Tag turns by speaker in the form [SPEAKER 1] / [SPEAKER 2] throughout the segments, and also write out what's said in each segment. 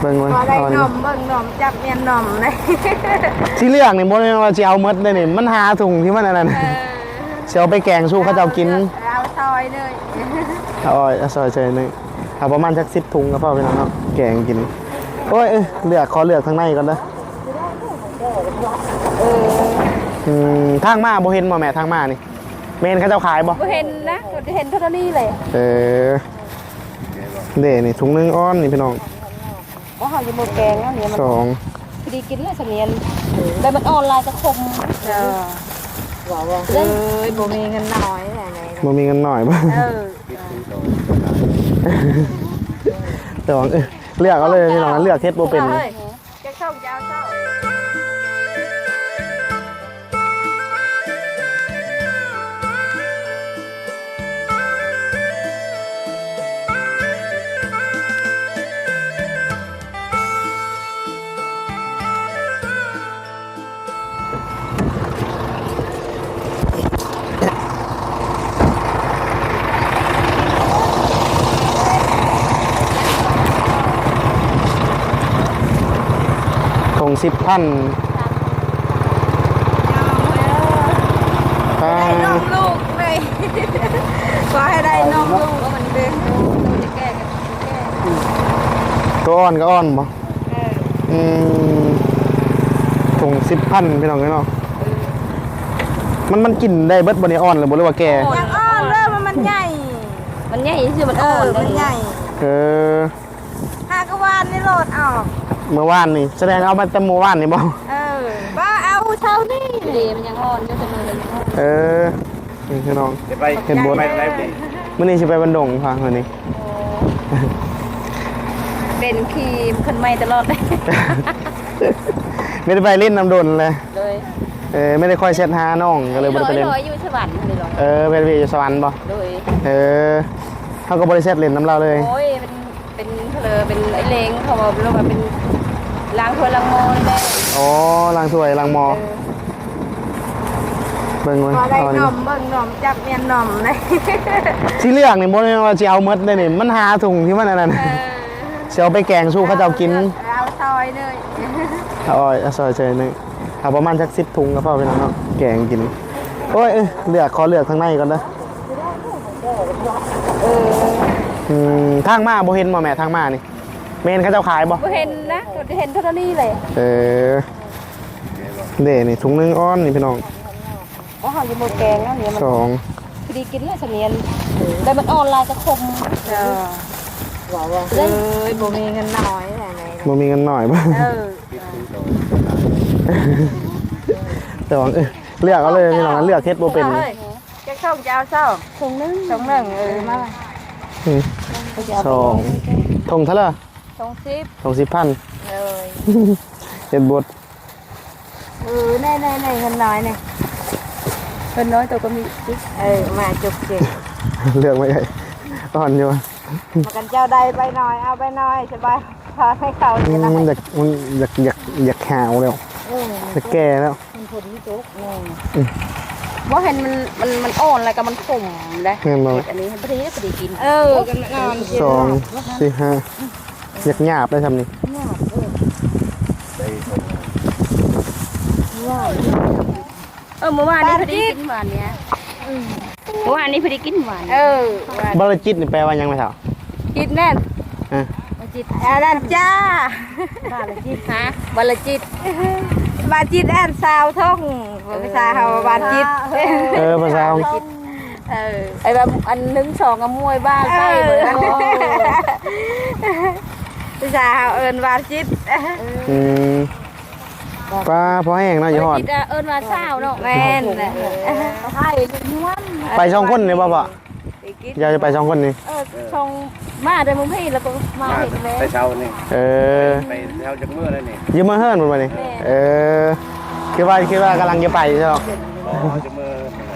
[SPEAKER 1] เบิ่งมัน
[SPEAKER 2] ได้นมเบิ่งนมจับเมียนนมเลย
[SPEAKER 1] ที่เลือกนี่บ่แม่นว่าสิเอาหมดเลยนี่มันหาถุงที่มันอันนั้นสิเอาไปแกงสู้เขาเจ้ากิน
[SPEAKER 2] เอาซอยเลย
[SPEAKER 1] เอาซอยเฉยนึงเอาประมาณสัก10ถุงก็พอพี่น้องเนาะแกงกินโอ้ยขอเลือกทางในก่อนเด้อทางมาบ่เห็นบ่แม่ทางมานี่แม่นเขาเจ้าขายบ่
[SPEAKER 2] เห็นนะเห็นเท่านี้เลย
[SPEAKER 1] เด้นี่ถุงนึงอ้อนนี่พี่น้อง
[SPEAKER 2] ว่าเขาจะโมแกงแล้วเนี่ยมันพอดีกินเลยเสมียนแต่มันออนไลน์จะคมว่าบ่มีเงินน้อยอะไร
[SPEAKER 1] บ่มีเงินหน่อยบ่แต่ว่าเลือกเอาเลยพี่น้องเลือกเฮ็ดบ่เป็น
[SPEAKER 2] จะเข้ายาวเข้า
[SPEAKER 1] 10,000
[SPEAKER 2] ได้นมลูกเลยขอให้ได้นมลูกก็มันเด้งจะแก้กัน
[SPEAKER 1] ตัวอ่อนก็อ่อนบ่ถุง10,000พี่น้องเนาะมันกินได้เบิดบ่นี่อ่อนหรือบ่หรือว่าแก่
[SPEAKER 2] ยังอ่อนเริ่มมันใหญ่คือมันอ่อนมันใหญ่หากวานนี่โหลดออก
[SPEAKER 1] เมื่อวานนี่แสดงเอามาแต่เมื่อวานนี่บ่
[SPEAKER 2] บ้าเอาเช้านี่ดีมันยังอ่อนอยู่เสมอเลย
[SPEAKER 1] นี่พี่น้องเห็นบดมื้อนี้สิไปบันดงค่ะมื้อนี้
[SPEAKER 2] เป็นคีมคนใหม่ตลอดเลย
[SPEAKER 1] ไม่ได้ไปเล่นน้ำดนเลยไม่ได้ค่อยเช็ดหาน้องก็เลยบ่ได้ไปเล่น
[SPEAKER 2] อยู่สวรรค์เลย
[SPEAKER 1] เป็นอยู่สวรรค์บ่เขาก็บ่ได้เช็ดเล่นน้ำเราเลย
[SPEAKER 2] โอ้ยเป็นเป็นไอ้เลงเขาบอกว่าเป็นล้างถ้วยล้างหม้อนี่แหละ
[SPEAKER 1] ล้างถ้วยล้างหม้อเบิ่งมัน
[SPEAKER 2] ได้นมเบิ่งนมจับเมียนนมเลย
[SPEAKER 1] ที่เลือกนี่บ่แม่นว่าสิเอาหมดเลยนี่มันหาถุงที่มันอันนั้นสิเอาไปแกงสู้เขาเจ้ากิน
[SPEAKER 2] เอาซอยเลย
[SPEAKER 1] เอาซอยเฉยนึงเอาประมาณสัก10ถุงก็พอพี่น้องเนาะแกงกินโอ้ยขอเลือกทางในก่อนเด้อทางมาบ่เห็นบ่แม่ทางมานี่แม่นเขาเจ้าขายบ่
[SPEAKER 2] เห็นนะเห็นเท่านี้เลย
[SPEAKER 1] เด้นี่ถุงนึงอ้อนนี่พี่น้อง
[SPEAKER 2] ว่าเขาจะโมแกงแล้วเนี่ยมันพอดีกินเลยเสมียนแต่มันออนไลน์จะคมบ่มีเงินน้อยอะไร
[SPEAKER 1] บ่มีเงินหน่อยบ่แต่ว่าเลือกเอาเลยพี่น้องเลือกเฮ็ดบ่เป็น
[SPEAKER 2] จะเข้ายาวเช้าถุงนึงมา
[SPEAKER 1] ถุงเท่าไหร่
[SPEAKER 2] ถุง
[SPEAKER 1] 10,000เฮ็ดบด
[SPEAKER 2] ในเงินน้อยเนี่ยเงินน้อยตัวก็มีมาจุกจิก
[SPEAKER 1] เลือกไม่ใหญ่อ่อนอยู่
[SPEAKER 2] มากันเจ้าใดไปหน่อยเอาไปหน่อยสบายพาให้เขา
[SPEAKER 1] มันอยากแหวแล้วจะแก่แล้ว
[SPEAKER 2] มันพอดีจุกว่าเห็นมันอ่อนอะไรกับมันขมเลยอันนี้พอดีกินกันนอน
[SPEAKER 1] 2 4 5อยากหยาบได้ทำนี่
[SPEAKER 2] เมื่อวานนี้พอดีกินหวานเนี้ยเมื่อวานนี้พอดีกินหวาน
[SPEAKER 1] บรจิตนี่แปลว่ายังไงเถอะ
[SPEAKER 2] จิตแน่นจิตนั่นจ้าบรจิตฮะบรจิตบรจิตแอนซาวท่องภาษาเขาบรจิต
[SPEAKER 1] ภาษา
[SPEAKER 2] ไอ้แบบอันนึง2กับมวยบ้านไปเหมือนภาษาเขาบรจิต
[SPEAKER 1] ปลาพอแห้งเนาะอย่าหอด
[SPEAKER 2] มาเศร้าเนาะแม่น
[SPEAKER 1] ไป2 คนนี่ป่ะอยากจะไป2 คนนี่
[SPEAKER 2] ช่องมาได้มึงพี่แล้วก็มาเห็นเลย
[SPEAKER 3] ไปเช้านี่ไปเช้าจากเมื่อไรนี่
[SPEAKER 1] ยืมมาเฮิร์นหมดเลยคิดว่ากำลังจะไปใช่ไหม
[SPEAKER 3] จากเมื่อ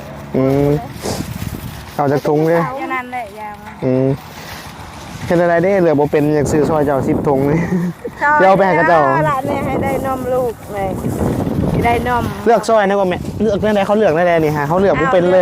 [SPEAKER 1] เอาจากถุงเลย
[SPEAKER 2] อย่างนั้นเลยยาว
[SPEAKER 1] เห็นอะไรได้เหลือโบเป็นอยากซื้อซอยเจ้า10 ถุงนี่เดี๋ยวไปให้กับเจ้า
[SPEAKER 2] ละเนี่ยให้ได้นมลูกเลยได้นม
[SPEAKER 1] เลือกซอยนะว่าแม่เลือกได้เขาเลือกได้นี่ฮะเขาเลือกบ่เป็นเลย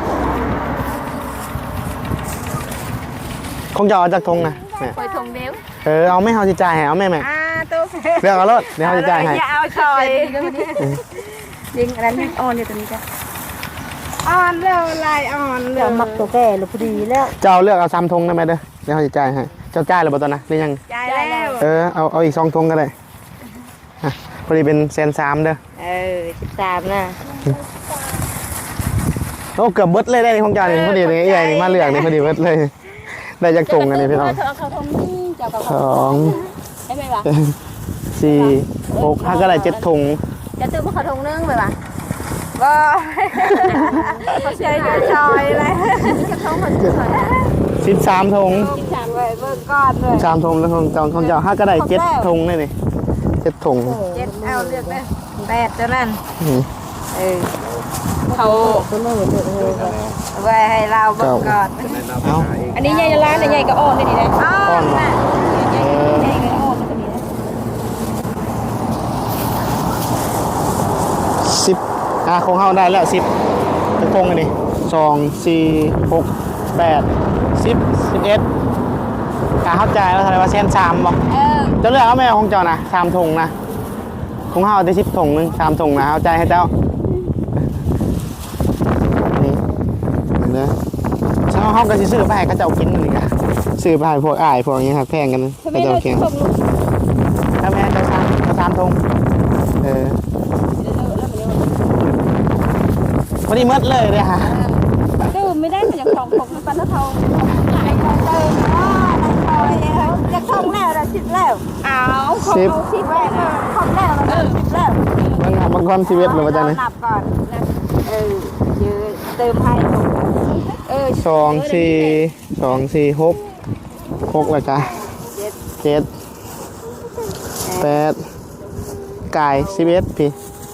[SPEAKER 1] คงจะเอาจากถุงนะ
[SPEAKER 2] ไปถุงเดียว
[SPEAKER 1] เอาไม่เฮาสิจ่ายให้เอาแม่
[SPEAKER 2] ตู้
[SPEAKER 1] เลือกเอารถเดี๋ยวเฮาสิจ่ายให้
[SPEAKER 2] อย่าเอาชอยยิงอันนั้นอ่อนเลยตัวนี้จ้ะอ่อนแล้วลายอ่อนเลยมักตัวแก่หรือพอดีแล้ว
[SPEAKER 1] เจ้าเลือกเอา3ธงได้ไหมเด้อเดี๋ยวเฮาสิจ่ายให้เจ้าจ่ายแล้วบ่ตอนนะหรือยัง
[SPEAKER 2] จ่ายแล้ว
[SPEAKER 1] เอาอีก2ธงก็ได้พอดีเป็น130,000เด้อ
[SPEAKER 2] 13น่ะ
[SPEAKER 1] โอ้เกือบเบิดเลยได้ของเจ้านี่พอดีนี่ใหญ่นี่มาเลือกนี่พอดีเบิดเลยได้จากธงอันนี้พี่น้อง
[SPEAKER 2] เขาทงนี่เจ้ากับได้ไหมวะ
[SPEAKER 1] 4 6 5ก็ได้7ธง
[SPEAKER 2] จะตื้อมาเขาทงนึงไปวะก็เขาใช้ชอยเลยจะทงเหมือนชอย
[SPEAKER 1] 13ธง
[SPEAKER 2] 13เลยเบิ่งก้อนเลย
[SPEAKER 1] 3ธงแล้วของเจ้า5ก็ได้7ธงเลยนี่7ธง
[SPEAKER 2] 7เอาเลือกเลย8เท่านั้นเขาไว้ให้เราเบิ่งก่อนอันนี้ใหญ่ร้านใหญ่ก็อ่อนได้ดีนะอ่อนน่ะใหญ่ก็อ่อนตัวนี้นะ
[SPEAKER 1] 10ของเฮาได้แล้ว10เป็นธงอันนี้2 4 6 8 10 11เข้าใจแล้วแสดงว่า130,000บ่จะเลือกเอาแม่ของเจ้านะ3ธงนะของเฮาได้10ธงนึง3ธงนะเข้าใจให้เจ้านี่เด้อเช้าเฮาก็สิซื้อไปให้เขาเจ้ากินนั่นนี่ก็ซื้อไปให้พวกอ้ายพวกนี้ครับแพงกันเขาเจ้าแข่งถ้าแม่เจ้า3ธงพอดีมืดเลยเลยฮะ
[SPEAKER 2] ตื้มไม่ได้แต่อย่างของมันปันเท่าขายเติมจะคล่องแล้วเราชิดแล้วของเราชิดแล้วคล่องแล้วเราชิดแล้ว
[SPEAKER 1] บางคนชีวิตหรือว่าจะไหน
[SPEAKER 2] นับก่อนยืนเติมให้
[SPEAKER 1] 2 4 6แล้วจ้ะ7 8ไก่11พี่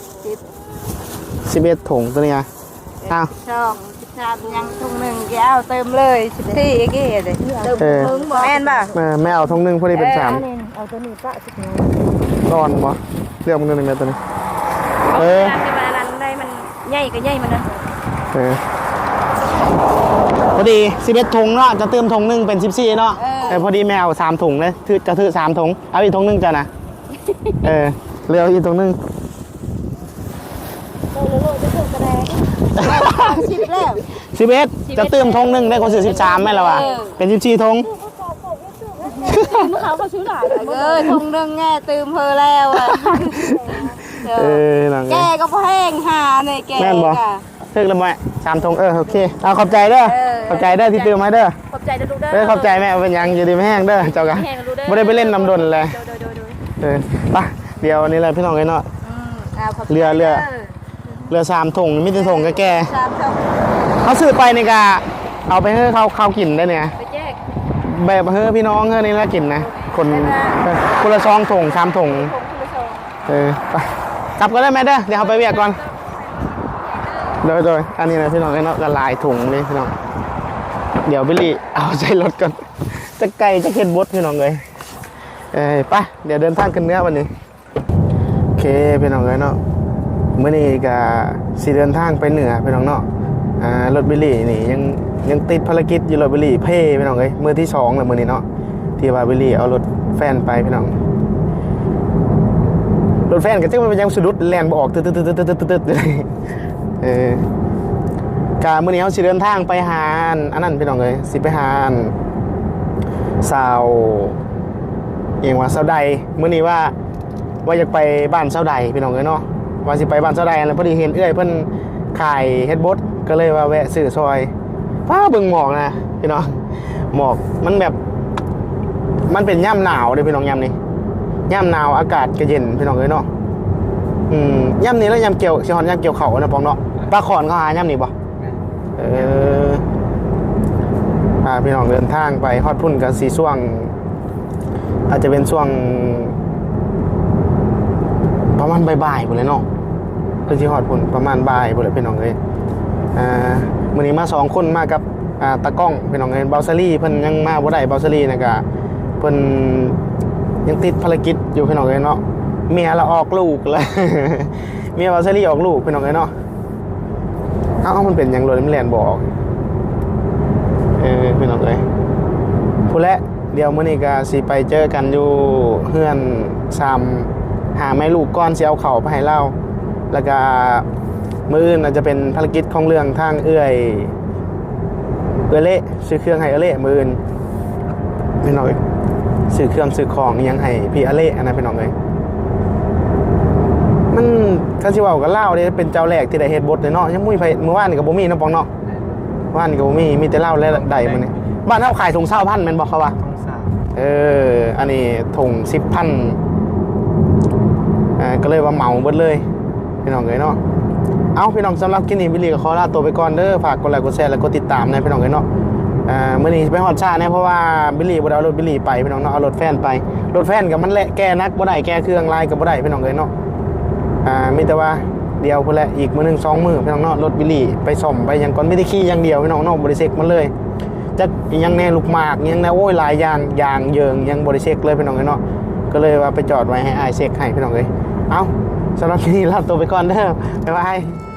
[SPEAKER 1] 11ถุงตัวนี้อ่ะอ้าว
[SPEAKER 2] ยังถุงหนึ่งแก้วเติมเลย14กี่เลยเติมถุงบ่แม่นป่ะ
[SPEAKER 1] แม่เอาถุงหนึ่งพอดีเป็น3
[SPEAKER 2] เอาตัวนี้ป้าสิ
[SPEAKER 1] ร้อนบ่เรียกมันกันหนึ่งตัวนี้
[SPEAKER 2] มันได้มันใหญ่ก็ใหญ่มันนะ
[SPEAKER 1] พอดี11ถุงเนาะจะเติมถุงหนึ่งเป็น14เนาะพอดีแมว3ถุงเลยจะถือ3ถุงเอาอีกถุงหนึ่งจ้ะนะเร็วอีกถุงหนึ่ง11จะเติมธงหนึ่งได้คนสื่อ13ไหมล่ะวะเป็น14ธง
[SPEAKER 2] เขาซื้อหลายธงหนึ่งแง่เติมเพอแล้วแกก็พอแห้งหาเลยแก
[SPEAKER 1] แม่นบอกเทิกแล้วแม่3ธงโอเคเอาขอบใจเด้อขอบใจเด้อที่เติมมาเด้อ
[SPEAKER 2] ขอบใจเด้อลูกเด้อ
[SPEAKER 1] ขอบใจแม่เป็นยังอยู่ดีไม่แห้งเด้อเจ้ากันไม่ได้ไปเล่นน้ำดนเลยไปเดี๋ยวนี้เลยพี่น้องเลยเนาะเรือ3ธงมิตรธงก็แก่เขาซื้อไปนี่กะเอาไปให้เขากินได้เนี่ยแบบเฮ้พี่น้องเฮ้นี่แล้วกินนะคนละ2ธง3ธงไปกลับก็ได้ไหมเด้อเดี๋ยวเขาไปเวียกก่อนโดยอันนี้นะพี่น้องเนาะกระลายถุงนี่พี่น้องเดี๋ยวบิลลี่เอาใส่รถก่อนจะไก่จะเค็ดบดพี่น้องเลยไปเดี๋ยวเดินทางขึ้นเนื้อวันนี้โอเคพี่น้องเลยเนาะเมื่อนี้ก็สิเดินทางไปเหนือพี่น้องเนาะรถบิลลี่นี่ยังติดภารกิจอยู่รถบิลลี่เพ่พี่น้องเลยมือที่2แล้วมือนี้เนาะที่ว่าบิลลี่เอารถแฟนไปพี่น้องรถแฟนก็จะมันยังสะดุดแรงบอกตึ๊ดเลยการมื้อนี้เขาสิเดินทางไปหาอันนั้นพี่น้องเลยสิไปหาสาวเองว่าสาวใดมื้อนี้ว่าอยากไปบ้านสาวใดพี่น้องเลยเนาะว่าสิไปบ้านสาวใดแล้วพอดีเห็นเอื้อยเพิ่นขายเฮ็ดบดก็เลยว่าแวะซื้อซอยฟ้าเบิ่งหมอกนะพี่น้องหมอกมันแบบมันเป็นย่ำหนาวเลยพี่น้องย่ำนี้ย่ำหนาวอากาศก็เย็นพี่น้องเลยเนาะย่ำนี้แล้วย่ำเกี่ยวสิฮอนย่ำเกี่ยวเขานะปองเนาะปลาขอนเขาหาย่ำนี้บ่พี่น้องเดินทางไปฮอดพุ่นกันสีช่วงอาจจะเป็นช่วงประมาณบ่ายๆพุ่นเลยเนาะเพื่อที่ฮอดพุ่นประมาณบ่ายพุ่นเลยพี่น้องเลยมื้อนี้มา2คนมากับตากล้องพี่น้องเลยเบาซารี่เพิ่นยังมาบ่ได้เบาซารี่นะก็เพิ่นยังติดภารกิจอยู่พี่น้องเลยเนาะเมียเราออกลูกเลยเมียเบาซารี่ออกลูกพี่น้องเลยเนาะมันเป็นอย่างรถมันแลนบอกพี่น้องเลยผู้และเดี๋ยวมื้อนี้ก็สิไปเจอกันอยู่เฮือนหาแม่ลูกก้อนสิเอาเข้าไปให้เราแล้วก็มื้ออื่นอาจจะเป็นภารกิจของเรื่องทางเละซื้อเครื่องให้เละมื้ออื่นพี่น้องซื้อเครื่องซื้อของยังให้พี่เละอันนั้นพี่น้องเลยมันเขาสิเว้ากับเล่าเด้เป็นเจ้าแรกที่ได้เฮ็ดบทเนาะยังมุ้ยไปเมื่อวานนี่ก็บ่มีเนาะปองเนาะว่านก็บ่มีแต่เล่าและใดมื้อนี้บ้านเฮาขายถุง20,000แม่นบ่เขาว่าอันนี้ถุง10,000ก็เลยว่าเหมาเบิดเลยพี่น้องเอ้ยเนาะเอาพี่น้องสำหรับคลิปนี้บิลลี่ก็ขอลาตัวไปก่อนเด้อฝากกดไลค์กดแชร์และกดติดตามนะพี่น้องเอ้ยเนาะมื้อนี้ไปฮอดชาแน่เพราะว่าบิลลี่บ่ได้เอารถบิลลี่ไปพี่น้องเนาะเอารถแฟนไปรถแฟนก็มันแหละแก้นักบ่ได้แก้เครื่องลายก็บ่ได้พี่น้องเอ้ยเนาะมีแต่ว่าเดียวพุ่นแหละอีกมื้อนึง2มื้อพี่น้องเนาะรถบิลลี่ไปซ่อมไปหยังก่อนไม่ได้ขี่อย่างเดียวพี่น้องเนาะบ่ได้เช็คมันเลยจักยังแน่ลูกหมากยังแน่โอ้ยหลายอย่างเยิงยังบ่ได้เช็คเลยพี่น้องเอ้ยเนาะก็เลยว่าไปจอดไว้ให้อ้ายเช็คให้พี่น้องเอ้ยเอาสำหรับคลิปนี้ลาตัวไปก่อนเด้อบ๊ายบาย